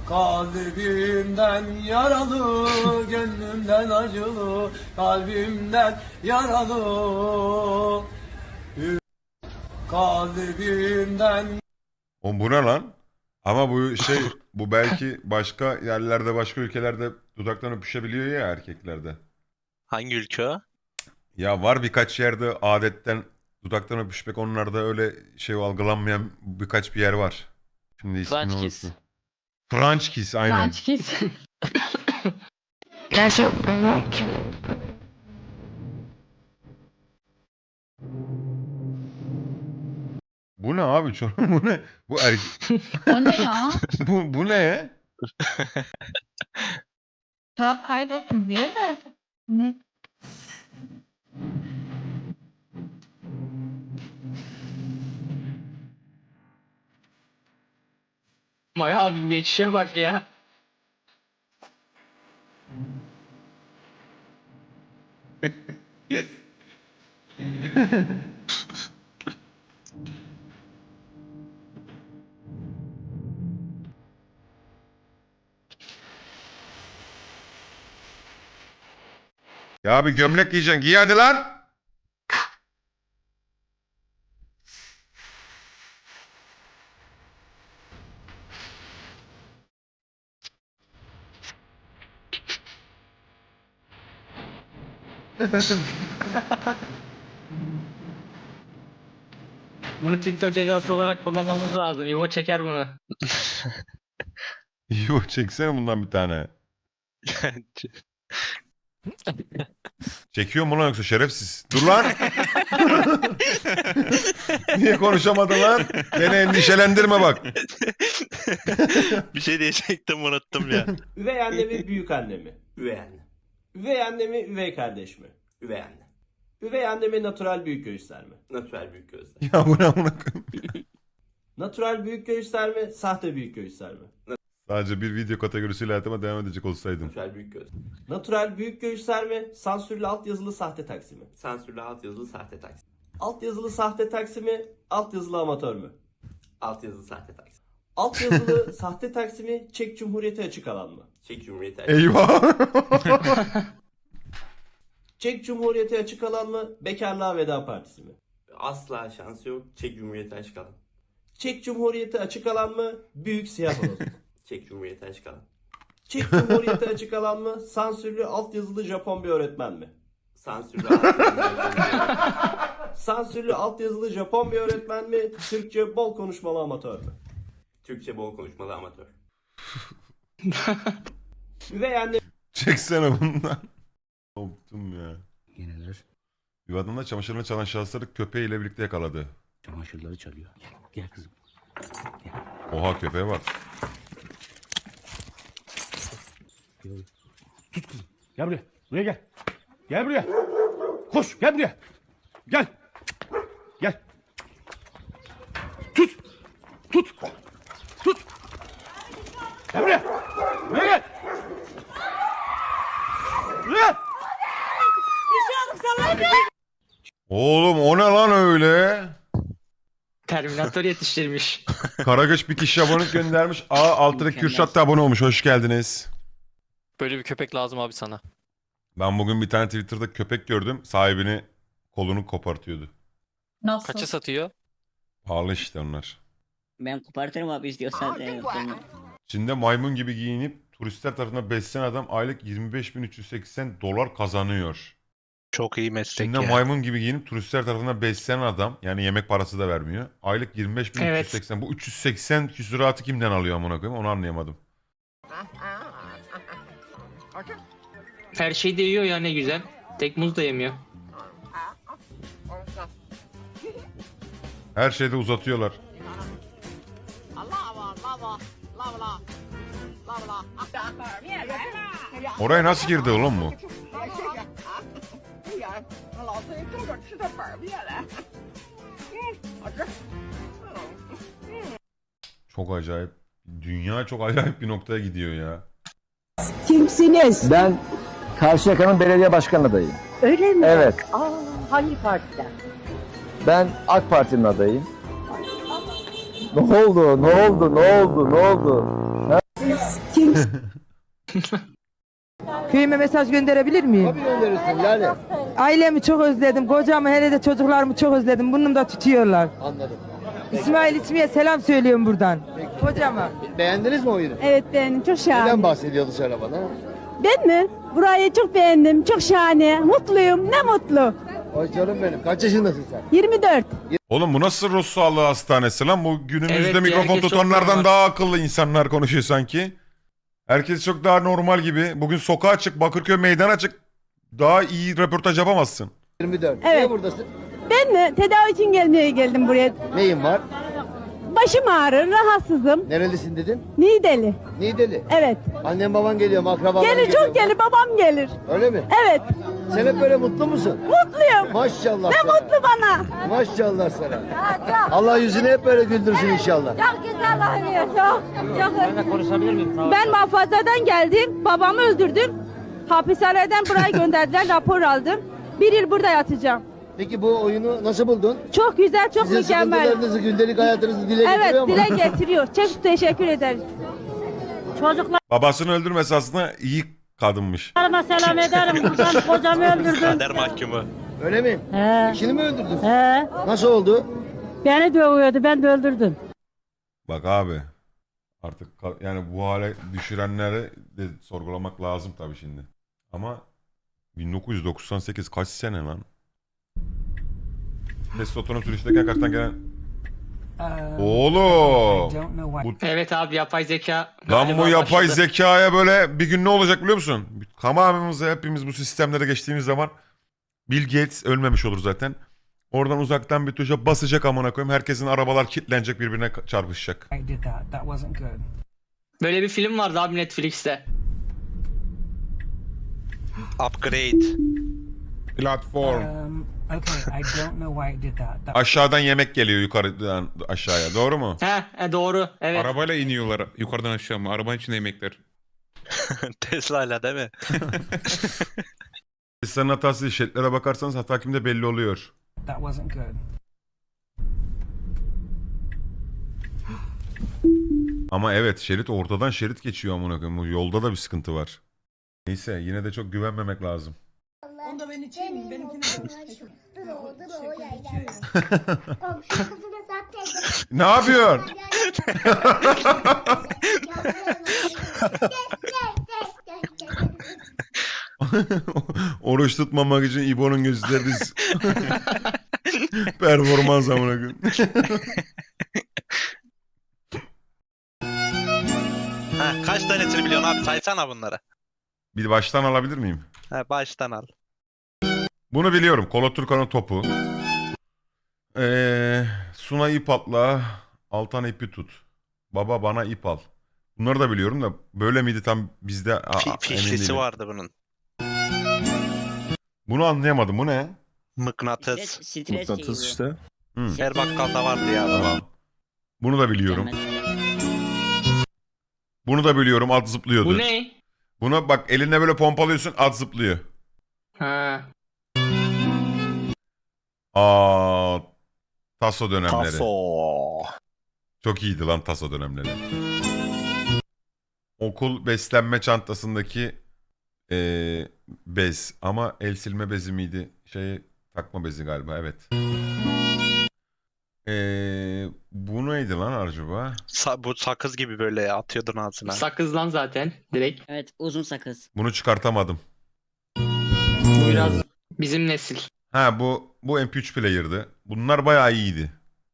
Kalbimden yaralı, gönlümden acılı, kalbimden yaralı. Kalbimden. O bu ne lan? Ama bu şey bu belki başka yerlerde başka ülkelerde dudaktan öpüşebiliyor ya erkeklerde. Hangi ülke o? Ya var birkaç yerde adetten dudaktan öpüşmek onlarda öyle şey algılanmayan birkaç bir yer var. Şimdi ismini French kiss. unuttum. French kiss aynen. French kiss. Gerçekten. Bu ne abi? Bu ne? Bu O ne ya? bu ne? Tamam kaydolsun diye de. Ne? Maya abi geçişe bak ya. Ya bir gömlek giyeceksin. Giy hadi lan. Bunu TikTok cezası olarak kullanmamız lazım. İvo çeker bunu. Yo çeksene bundan bir tane. Çekiyor mu lan yoksa şerefsiz? Dur lan. Niye konuşamadın lan? Beni endişelendirme bak. Bir şey diyecektim unuttum ya. Üvey anne mi, büyük anne mi? Üvey anne. Üvey anne mi, üvey kardeş mi? Üvey anne. Üvey anne mi, natural büyük göğüsler mi? Natürel büyük gözler. Ya bu ne amına koyayım? Natural büyük göğüsler mi, sahte büyük göğüsler mi? Sadece bir video kategorisiyle hayatıma devam edecek olsaydım. Natürel büyük göz. Natural büyük göğüsler mi, sansürlü altyazılı sahte taksi mi? Sansürlü altyazılı sahte taksi. Altyazılı sahte taksi mi, altyazılı amatör mü? Altyazılı sahte taksi. Altyazılı sahte taksi mi, Çek Cumhuriyeti açık alan mı? Çek Cumhuriyeti Eyvah. Çek Cumhuriyeti açık alan mı, Bekarlığa Veda Partisi mi? Asla şansı yok. Çek Cumhuriyeti açık alan. Çek Cumhuriyeti açık alan mı, Büyük Siyah Horoz mu? Çek Cumhuriyeti açık alan. Çek Cumhuriyeti açık alan mı, sansürlü altyazılı Japon bir öğretmen mi? Sansürlü altyazılı. Sansürlü altyazılı Japon bir öğretmen mi, Türkçe bol konuşmalı amatör mü? Türkçe bol konuşmalı amatör. Üvey anne Çeksene bundan. Koptum ya. Yeneler Yuvadında çamaşırını çalan şahısları köpeğiyle birlikte yakaladı. çamaşırları çalıyor. Gel kızım. Oha köpeğe bak. Tut kızım. Gel buraya. Buraya gel. Gel buraya. Koş gel buraya. Gel. Gel. Tut. Tut. Tut. Gel buraya. Buraya gel. Buraya. Oğlum o ne lan öyle? Terminator yetiştirmiş. Karagöç bir kişi abonelik göndermiş. Altına Kürşat da abone olmuş. Hoş geldiniz. Böyle bir köpek lazım abi sana. Ben bugün bir tane Twitter'da köpek gördüm. Sahibini kolunu kopartıyordu. Nasıl? Kaça satıyor? Pahalı işte onlar. Ben kopartırım abi istiyorsan. Çin'de maymun gibi giyinip turistler tarafından beslenen adam aylık 25.380 dolar kazanıyor. Çok iyi meslek Çin'de ya. maymun gibi giyinip turistler tarafından beslenen adam, yani yemek parası da vermiyor. Aylık 25.380. Bu 380 küsuratı kimden alıyor amına koyayım, onu anlayamadım. Her şeyi de yiyor ya, ne güzel. Tek muz da yemiyor. Her şeyde uzatıyorlar. Oraya nasıl girdi oğlum bu? Çok acayip. Dünya çok acayip bir noktaya gidiyor ya. Kimsiniz? Ben Karşıyaka'nın belediye başkan adayıyım. Öyle mi? Evet. Hangi partiden? Ben AK Parti'nin adayıyım. Ne oldu? Ne oldu? Ne oldu? Ne oldu? Siz Köyüme mesaj gönderebilir miyim? Tabii gönderirsin yani. Ailemi çok özledim. Kocamı hele de çocuklarımı çok özledim. Burnumda tutuyorlar. Anladım. İsmail İçmi'ye selam söylüyorum buradan. Kocama. Beğendiniz mi oyunu? Evet beğendim. Çok şahane. Neden bahsediyordu söyle bana? Ben mi? Burayı çok beğendim. Çok şahane. Mutluyum. Ne mutlu. Ay canım benim. Kaç yaşındasın sen? 24. Oğlum bu nasıl ruh sağlığı hastanesi lan? Bu günümüzde Evet ya, mikrofon herkes çok tutanlardan normal. daha akıllı insanlar konuşuyor sanki. Herkes çok daha normal gibi. Bugün sokağa çık, Bakırköy meydana çık. Daha iyi röportaj yapamazsın. 24. Evet. Niye buradasın? Ben mi? Tedavi için geldim buraya. Neyin var? Başım ağrır. Rahatsızım. Nerelisin dedin? Niğdeli. Niğdeli. Evet. Annen baban geliyor mu? Akrabaların Gelir geliyor çok mu? gelir. Babam gelir. Öyle mi? Evet. Sen hep böyle mutlu musun? Mutluyum. Maşallah Ne sana. mutlu bana. Maşallah sana. Allah yüzünü hep böyle güldürsün inşallah. Çok güzel oynuyor. Çok. Ben konuşabilir miyim? Ben muhafazadan geldim. Babamı öldürdüm. Hapishaneden buraya gönderdiler. Rapor aldım. 1 yıl burada yatacağım. Peki bu oyunu nasıl buldun? Çok güzel, çok Sizin mükemmel. sıkıntılarınızı, gündelik hayatınızı dile Evet, getiriyor mu? dile getiriyor. Çok teşekkür ederiz. Çocuklarıma Babasını öldürmesi aslında iyi kadınmış. selam ederim. Buradan kocamı öldürdüm. Kader mahkumu. Öyle mi? He. İşini mi öldürdün? He. Nasıl oldu? Beni dövüyordu, ben de öldürdüm. Bak abi artık yani bu hale düşürenleri de sorgulamak lazım tabii şimdi. Ama 1998 kaç sene lan? Testosteron sürüşteyken karşıdan gelen... Oğlum! Evet abi yapay zeka. Lan galiba bu yapay başladı. zekaya böyle bir gün ne olacak biliyor musun? Tamamımız hepimiz bu sistemlere geçtiğimiz zaman Bill Gates ölmemiş olur zaten. Oradan uzaktan bir tuşa basacak amına koyayım. Herkesin arabalar kilitlenecek, birbirine çarpışacak. Böyle bir film vardı abi Netflix'te. Upgrade. Platform. Aşağıdan yemek geliyor yukarıdan aşağıya. Doğru mu? Doğru. Evet. Arabayla iniyorlar yukarıdan aşağı mı? Arabanın içinde yemekler. Tesla'yla değil mi? Tesla'nın hatası şeritlere bakarsanız hata kimde belli oluyor. Ama evet şerit ortadan şerit geçiyor amına koyayım. Bu yolda da bir sıkıntı var. Neyse yine de çok güvenmemek lazım. Onda ben içeyim, benimkini Ne yapıyorsun? Oruç tutmamak için İbo'nun gösterdiği performans amına koyayım. Ha, kaç tanesini biliyorsun abi? Saysana bunları. Bir baştan alabilir miyim? Ha, baştan al. Bunu biliyorum. Kolo Turkan'ın topu. Suna ip atla. Altan ipi tut. Baba bana ip al. Bunları da biliyorum da böyle miydi tam bizde emin Fişlisi değilim. vardı bunun. Bunu anlayamadım. Bu ne? Mıknatıs. Stres işte. Hı, Her bakkalda vardı ya. tamam. Bunu da biliyorum. Bunu da biliyorum. At zıplıyordu. Bu ne? Buna bak eline böyle pompalıyorsun at zıplıyor. Ha. Taso dönemleri. Çok iyiydi lan Taso dönemleri. Okul beslenme çantasındaki bez ama el silme bezi miydi? Takma bezi galiba evet. Bu neydi lan acaba? Bu sakız gibi böyle atıyordun ağzına. Sakız lan zaten direkt. Evet, uzun sakız. Bunu çıkartamadım. Bu biraz bizim nesil. Ha bu MP3 player'dı. Bunlar bayağı iyiydi.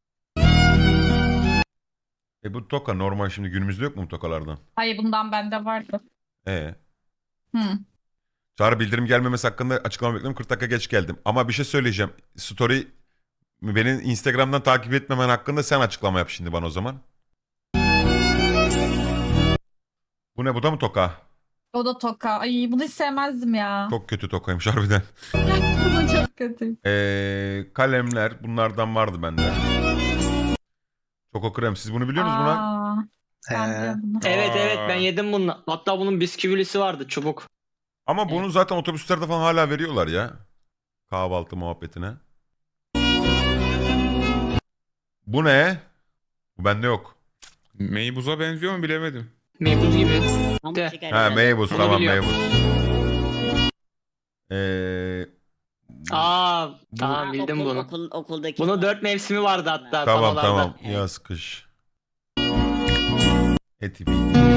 Bu toka normal şimdi günümüzde yok mu bu tokalardan? Hayır bundan bende vardı. Hı. Çağrı bildirim gelmemesi hakkında açıklama bekliyorum. 40 dakika geç geldim. Ama bir şey söyleyeceğim. Story beni Instagram'dan takip etmemen hakkında sen açıklama yap şimdi bana o zaman. Bu ne? Bu da mı toka? O da toka. Ay bunu hiç sevmezdim ya. Çok kötü tokaymış harbiden. Bu da çok kötü. Kalemler bunlardan vardı bende. Çoko krem. Siz bunu biliyor musunuz buna? Ben de bunu. Evet ben yedim bunu. Hatta bunun bisküvilisi vardı çubuk. Ama bunu zaten otobüslerde falan hala veriyorlar ya. Kahvaltı muhabbetine. Bu ne? Bu bende yok. Meybuz'a benziyor mu bilemedim. Meybuz gibi. Pamuk De. şeker. Ha herhalde. meybuz Bunu tamam biliyorum. meybuz. Aa Bu- tamam bildim bunu. Okuldaki. Bunun 4 mevsimi vardı hatta Tamam panolarda. tamam. Evet. Yaz kış. Etibi.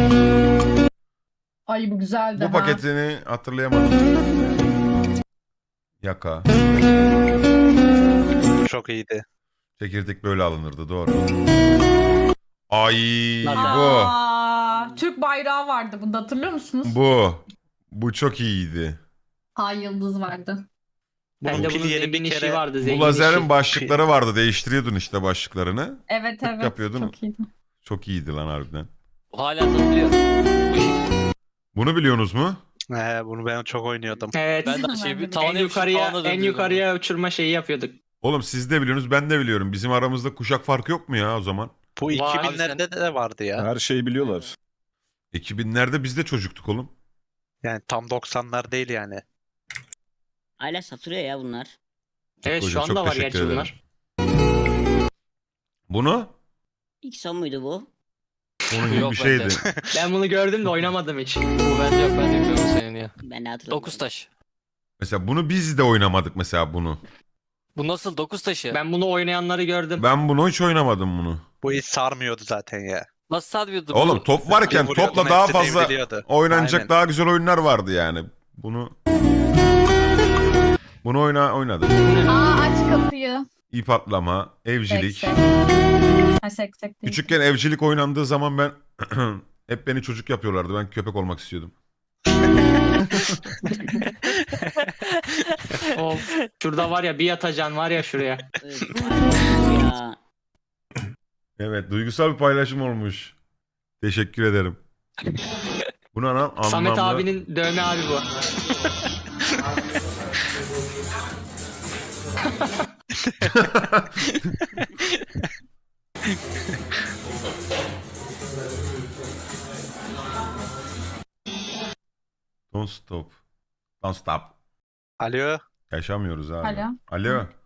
Ay bu güzeldi Bu ha. paketini hatırlayamadım. Yaka. Çok iyiydi. Çekirdek böyle alınırdı doğru. Ay bu. Aa, Türk bayrağı vardı bunda, hatırlıyor musunuz? Bu çok iyiydi. Ay yıldız vardı. Bende Pil bunun yeri zengin bir işi kere- vardı. Bu Zengin lazerin işi. başlıkları vardı. Değiştiriyordun işte başlıklarını. Evet Tık evet. yapıyordun. Çok iyiydi. Çok iyiydi lan harbiden. Hala satılıyor. Bu şekilde. Bunu biliyorsunuz mu? Bunu ben çok oynuyordum. Evet. Ben de şey bir En tavana en yapışıp yukarıya tavana en döndürüyordum. yukarıya uçurma şeyi yapıyorduk. Oğlum siz de biliyorsunuz ben de biliyorum. Bizim aramızda kuşak farkı yok mu ya o zaman? Bu Vay. 2000'lerde de vardı ya. Her şeyi biliyorlar. 2000'lerde biz de çocuktuk oğlum. Yani tam 90'lar değil yani. Hala satılıyor ya bunlar. Evet Hocam, şu anda çok var teşekkür gerçi ederim. bunlar. Bunu? İlk son muydu bu? Onun gibi Yok bir şeydi. bende. Ben bunu gördüm de oynamadım hiç. Bu bende yok, ben de biliyorum senin ya. Ben de hatırlamıyorum. 9 taş. Mesela bunu biz de oynamadık mesela bunu. Bu nasıl 9 taşı? Ben bunu oynayanları gördüm. Ben bunu hiç oynamadım bunu. Bu hiç sarmıyordu zaten ya. Nasıl sarmıyordu? Oğlum Bu- top varken Bir vuruyordun, topla daha hepsi fazla devriliyordu. oynanacak Aynen. daha güzel oyunlar vardı yani. Bunu oynadık. Aa aç kapıyı. İp atlama, evcilik. Seksek. Ha seksek değil. Küçükken evcilik oynandığı zaman ben hep beni çocuk yapıyorlardı. Ben köpek olmak istiyordum. Of. Şurada var ya bir yatacan var ya şuraya. Öf, ya. Evet, duygusal bir paylaşım olmuş. Teşekkür ederim. Buna anlamlı. Samet abinin dövme abi bu. Don't stop. Don't stop. Alo. Yaşamıyoruz abi. Alo. Alo.